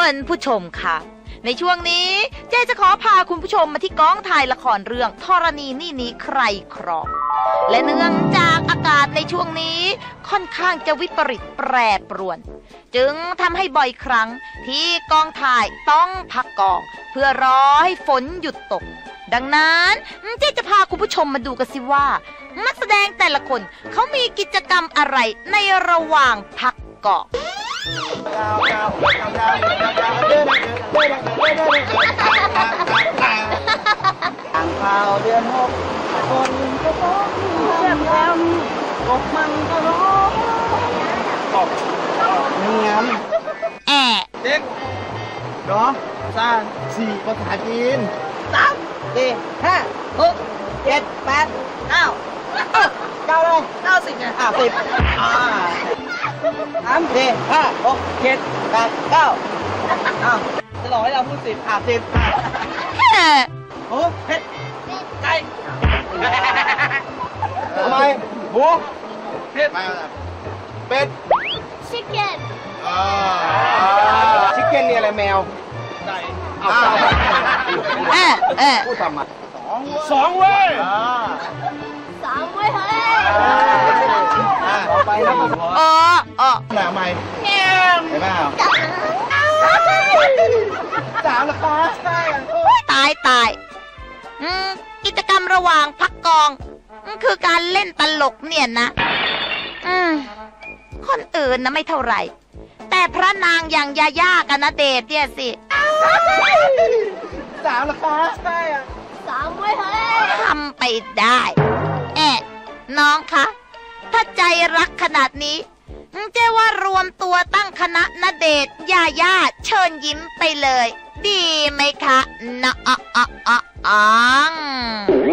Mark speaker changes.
Speaker 1: คุณผู้ชมค่ะในช่วงนี้เจ๊จะขอพาคุณผู้ชมมาที่กองถ่ายละครเรื่องธรณีนี่นี้ใครครองและเนื่องจากอากาศในช่วงนี้ค่อนข้างจะวิปริตแปรปรวนจึงทำให้บ่อยครั้งที่กองถ่ายต้องพักกองเพื่อรอให้ฝนหยุดตกดังนั้นเจ๊จะพาคุณผู้ชมมาดูกันสิว่านักแสดงแต่ละคนเขามีกิจกรรมอะไรในระหว่างพักกอง
Speaker 2: อ่างข่าวเดือนหกคนก็ต้องเรียบแอมกบมันก็ร้องกบเงียบเด็กเนาะสร้างสี่ภาษาจีน3 4 5 6 7 8 9 9เลย90ไง103 4 5 6 7 8 9จะหลอกให้เราพูด10 10โอ้เผ็ดไก่ทำไมหมูเผ็ดเป็ดชิคเก้นชิคเก้นนี่อะไรแมวไก่พูดทำไม2เว้ย3เว้ยเฮ้ยต่อไปนะหนาไม่เห็นเปล่า3ละคะ
Speaker 1: ตายกิจกรรมระหว่างพักกองคือการเล่นตลกเนี่ยนะคนอื่นนะไม่เท่าไหร่แต่พระนางอย่างยาย่ากับณเดชน์เนี่ยสิ
Speaker 2: 3ละคะ3เว้ยเฮ้ย
Speaker 1: ทำไปได้น้องคะถ้าใจรักขนาดนี้เจ๊ว่ารวมตัวตั้งคณะณเดชน์ยาย่าเชิญยิ้มไปเลยดีไหมคะน้อง